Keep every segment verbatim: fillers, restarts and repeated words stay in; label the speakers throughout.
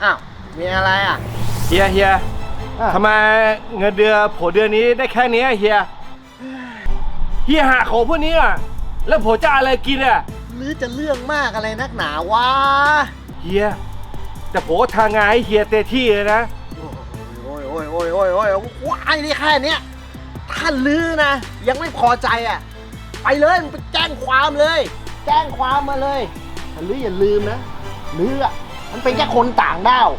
Speaker 1: อ้าวมีอะไรอ่ะ
Speaker 2: เฮียเฮียทำไมเงินเดือนผมเดือนนี้ได้แค่นี้เฮียเฮียหาของพวกนี้อ่ะแล้วผมจะอะไรกินอ่ะ
Speaker 1: หรือจะเรื่องมากอะไรนักหนาวะ
Speaker 2: เฮียแต่ผมทางงานให้เฮียเต็มที่เลยนะ
Speaker 1: โอ้ยโอ้ยโอ้ยโอ้ยโอ้ยว้ายนี่แค่เนี้ยถ้าลือนะยังไม่พอใจอ่ะไปเลยไปแจ้งความเลยแจ้งความมาเลยถ้าลืออย่าลืมนะลืออ่ะมันเป็นแค่คนต่างด้าว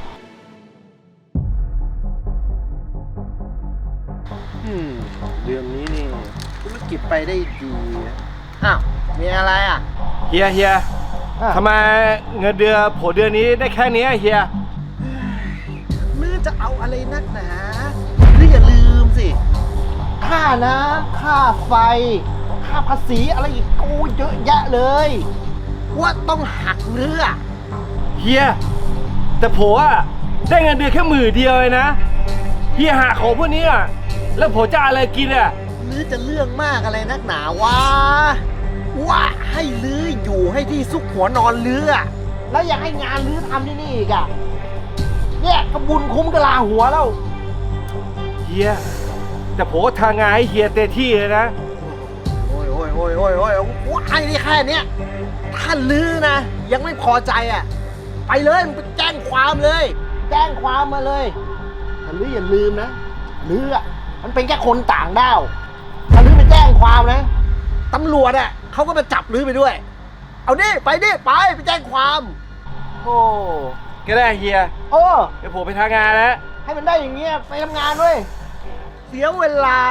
Speaker 1: อืมเรื่องนี้นี่ธุรกิจไปได้ดีอ้าวมีอะไรอ่ะ
Speaker 2: เฮียเฮียทำไมเงินเดือนผมเดือนนี้ได้แค่นี้เฮีย
Speaker 1: ลือจะเอาอะไรนักหนาลืออย่าลืมสิค่าน้ำค่าไฟค่าภาษีอะไรอีกกูเยอะแยะเลยว่าต้องหักเรือ
Speaker 2: เฮียแต่ผมอ่ะได้เงินเดือนแค่หมื่นเดียวเลยนะเฮียหาของพวกนี้อ่ะแล้วผมจะอะไรกินอ่ะ
Speaker 1: ลือจะเรื่องมากอะไรนักหนาวะว่าให้ลืออยู่ให้ที่ซุกหัวนอนลือแล้วอยากให้งานลือทำที่นี่อีกอะเนี่ยกระบุญคุ้มกะลาหัวแล้ว
Speaker 2: เฮียแต่ผมทางงานให้เฮียเต็มที่เลยนะ
Speaker 1: โอ้ยโอ้ยโอ้ยโอ้ยโอ้ยว่าไอ้นี่แค่เนี้ยถ้าลือนะยังไม่พอใจอะไปเลยไปแจ้งความเลย แจ้งความมาเลยถ้าลืออย่าลืมนะลืออะมันเป็นแค่คนต่างด้าวถ้าลือไปแจ้งความนะตำรวจอ่ะเขาก็มาจับลือไปด้วยเอาดิไปดิไปไปแจ้งความโอ้
Speaker 2: ก็ได้เฮีย
Speaker 1: โอ้
Speaker 2: เดี๋ยวผมไปทำงานแล้ว
Speaker 1: ให้มันได้อย่างเงี้ยไปทำงานด้วยเสียเวลา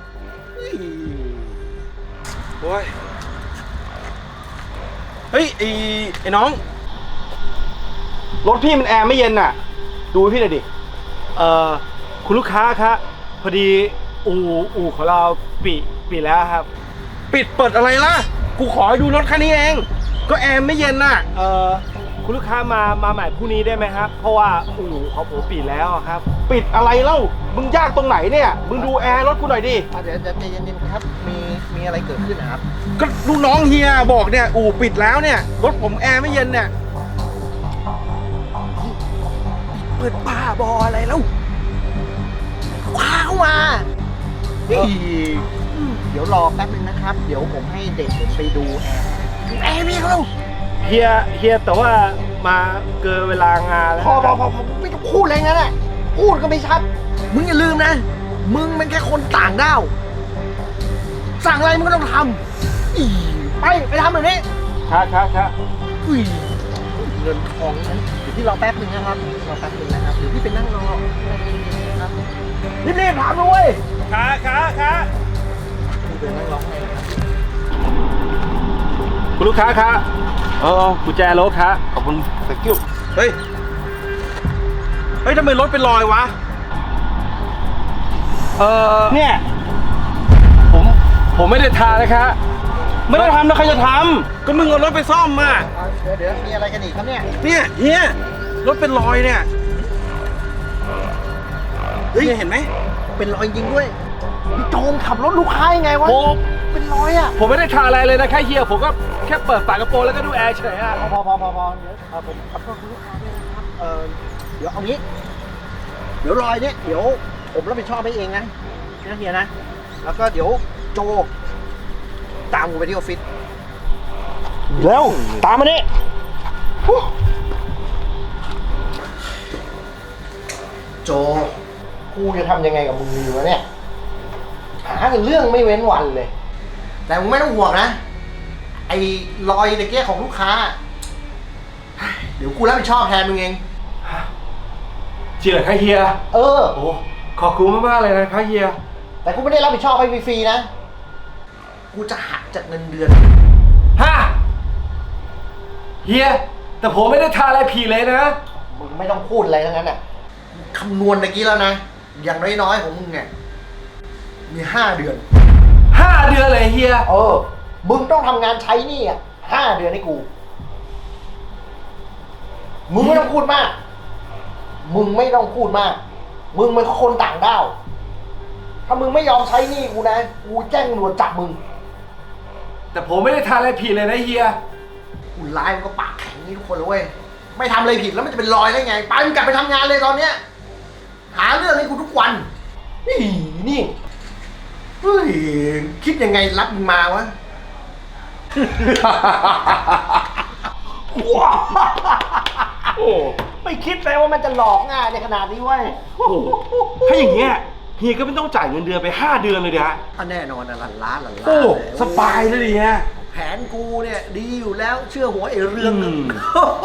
Speaker 2: โอ้ยเฮ้ยไอ้ไอ้น้องรถพี่มันแอร์ไม่เย็นน่ะดูพี่หน่อยดิเอ่อคุณลูกค้าครับพอดีอู่อู่ของเราปิปิดแล้วครับปิดเปิดอะไรล่ะกูขอให้ดูรถคันนี้เองก็แอร์ไม่เย็นน่ะเอ่อคุณลูกค้ามามาใหม่พรุ่งนี้ได้ไหมครับเพราะว่าอู่ของผมปิดแล้วครับปิดอะไรเล่ามึงยากตรงไหนเนี่ยมึงดูแอร์รถกูหน่อยดิ
Speaker 1: เดี๋ยวใจเย็นๆครับมีมีอะไรเกิดขึ้นนะครับ
Speaker 2: ก็ลูกน้องเฮียบอกเนี่ยอู่ปิดแล้วเนี่ยรถผมแอร์ไม่เย็นเนี่ย
Speaker 1: เปิดบ้าบออะไรแล้วคว้าเข้ามาเดี๋ยวรอแป๊บนึงนะครับเดี๋ยวผมให้เด็กผมไปดูแอร์แอร์พี่เขา
Speaker 2: เฮียเฮียแต่ว่ามาเกินเวลางานแล้ว
Speaker 1: พอพอพอพอไม่ต้องพูดอะไรงั้นแหละพูดก็ไม่ชัดมึงอย่าลืมนะมึงเป็นแค่คนต่างด้าวสั่งอะไรมึงก็ต้องทำอีไปไปทำแบบนี้
Speaker 2: ครับครับครับ
Speaker 1: อุ้ยเงินทองนั้นเดี๋ยวพี่รอแป๊บนึงนะครับรอแป๊บนึงนะครับเดี๋ยวพี่ไปนั่งรอครับรีบๆทำด้วย
Speaker 2: ค่ะค่ะค่ะ
Speaker 1: พี่ไปนั่งรอให้
Speaker 2: คุณลูกค้าครับเออกุญแจรถครับขอบคุณตะกิ้วเฮ้ยเฮ้ยทำไมรถเป็นรอยวะเออเนี่ยผมผมไม่ได้ทานะครับไม่ได้ทำแล้วใครจะทำก็มึงเอารถไปซ่อมมา
Speaker 1: เดี๋ยวเดี๋ยวมีอะไรกันอีกครับเนี่ย
Speaker 2: เนี่ยเฮียรถเป็นรอยเนี่ยเฮ้ยเห็นไหม
Speaker 1: เป็นรอยจริงด้วยพี่โจมขับรถลูกค้ายังไงวะเป็นรอยอ่ะ
Speaker 2: ผมไม่ได้ทาอะไรเลยนะแค่เฮียผมก็แค่เปิดฝากระโปรงแล้วก็ดูแอร์เฉยอ่ะ
Speaker 1: พอพอพอพอพอเดี๋ยวผมขับรถคุณลูกค้าด้วยนะครับเออเดี๋ยวเอางี้เดี๋ยวรอยเนี่ยเดี๋ยวผมรับผิดชอบให้เองนะนะเฮียนะแล้วก็เดี๋ยวโจตามกูไปที่ออฟฟิศ
Speaker 2: เร็วตามมานี่
Speaker 1: โจกูจะทำยังไงกับมึงดีวะเนี่ยหาเรื่องไม่เว้นวันเลยแต่มึงไม่ต้องห่วงนะไอ้รอยตะเกียของลูกค้าเดี๋ยวกูรับผิดชอบแทนมึงเอง
Speaker 2: จริงเหรอคะเฮีย
Speaker 1: เออ
Speaker 2: โอ้ขอบคุณมากๆเลยนะคะเฮีย
Speaker 1: แต่กูไม่ได้รับผิดชอบให้ฟรีๆนะกูจะหักจากเงินเดือน
Speaker 2: ฮะเฮียแต่ผมไม่ได้ทาอะไรผีเลยนะ
Speaker 1: มึงไม่ต้องพูดอะไรทั้งนั้นน่ะคำนวณตะกี้แล้วนะอย่างน้อยๆของมึงเนี่ยมีห้าเดือน
Speaker 2: ห้าเดือนเลยเฮีย
Speaker 1: เออมึงต้องทำงานใช้หนี้อ่ะห้าเดือนให้กูมึงไม่ต้องพูดมากมึงไม่ต้องพูดมากมึงเป็นคนต่างด้าวถ้ามึงไม่ยอมใช้หนี้กูนะกูแจ้งตำรวจจับมึง
Speaker 2: แต่ผมไม่ได้ทาอะไรผิดเลยนะเฮีย
Speaker 1: กูร้ายมันก็ปากแข็งนี่ทุกคนเลยเว้ยไม่ทำอะไรผิดแล้วมันจะเป็นรอยได้ไง ไปมึงกลับไปทำงานเลยตอนเนี้ย หาเรื่องให้กูทุกวันนี่นี่เฮ้ยคิดยังไงรับมึงมาวะ
Speaker 2: โอ้
Speaker 1: ไม่คิดเลยว่ามันจะหลอกง่ายในขนาดนี้เว้ย
Speaker 2: โหถ้าอย่างเงี้ยเฮียก็ไม่ต้องจ่ายเงินเดือนไปห้าเดือนเลยดิฮะ
Speaker 1: ก็แน่นอนนะหลันล้านหลันล้าน
Speaker 2: โอ้
Speaker 1: เลย
Speaker 2: สบายเลยดิฮะ
Speaker 1: แผนกูเนี่ยดีอยู่แล้วเชื่อหัวไอ้เรื่องนึง
Speaker 2: อืม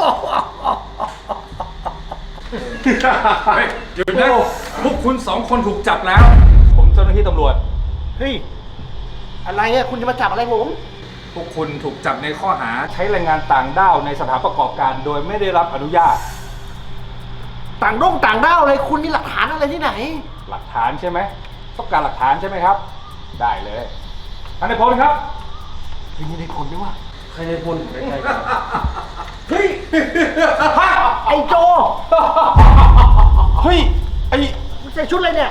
Speaker 3: เฮ้ยหยุดนะพวกคุณสองคนถูกจับแล้ว
Speaker 2: ผมเจ้าหน้าที่ตำรวจ
Speaker 1: เฮ้ยอะไรอะคุณจะมาจับอะไรผม
Speaker 3: พวกคุณถูกจับในข้อหา
Speaker 2: ใช้แรงงานต่างด้าวในสถานประกอบการโดยไม่ได้รับอนุญาต
Speaker 1: ต่างด้งต่างด้าวอะไรคุณมีหลักฐานอะไรที่ไหน
Speaker 2: หลักฐานใช่ไหมต้องการหลักฐานใช่ไหมครับ ได้เลยท่านนายพลครับ
Speaker 1: เฮ้ยนี่ในผลด้วยวะ
Speaker 2: ใครนายพล
Speaker 1: เฮ้ยฮะไอ้โจ
Speaker 2: เฮ้ยไอ้
Speaker 1: มึงใส่ชุดอะไรเนี่ย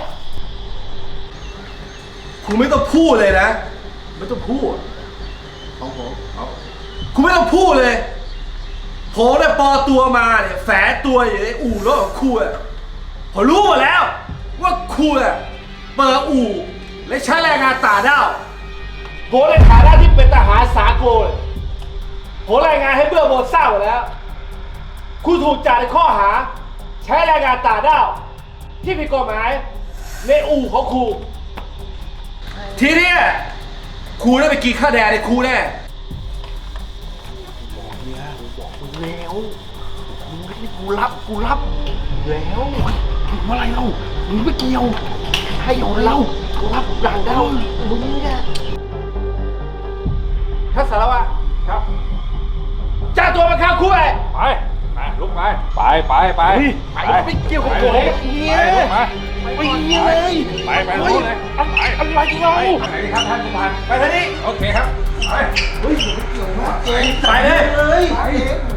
Speaker 4: คุณไม่ต้องพูดเลยนะ ไม่ต้องพูด
Speaker 1: ของผม
Speaker 4: คุณไม่ต้องพูดเลยผมเนี่ยปลอตัวมาเนี่ยแฝงตัวอยู่ในอู่รถของคุณอะผมรู้หมดแล้ว ว่าคุณอะเปิดอู่และใช้แรงงานต่างด้าวผมในฐานะที่เป็นทหารสากลผมรายงานให้เบื้องบนทราบหมดแล้ว คุณถูกจับในข้อหา ใช้แรงงานต่างด้าวที่ผิดกฎหมายในอู่ของครูทีเนี้ยครูได้ไปกินข้าวแดงในครูแน่
Speaker 1: แล้วมึงไม่ได้กูรับกูรับแล้วมึงอะไรเรามึงไม่เกี่ยวให้เอาเรากูรับต่างด้าวมึงเนี่ย
Speaker 4: ท่านสารวัตร
Speaker 2: ครับ
Speaker 4: จ้าตัวมาเข้าคุกเลย
Speaker 2: ไปไปลุกไปไปไปไป
Speaker 1: ไปไม่เกี่ยวกับผมเฮีย
Speaker 2: ไป
Speaker 1: ไปเฮียเลย
Speaker 2: ไปไปลุกเลยไป
Speaker 1: อะไรเรา
Speaker 2: ไปครับท่านผู้พัน
Speaker 4: ไปทางนี้
Speaker 3: โอเคครับ ไป
Speaker 4: ไปเลย
Speaker 1: เลย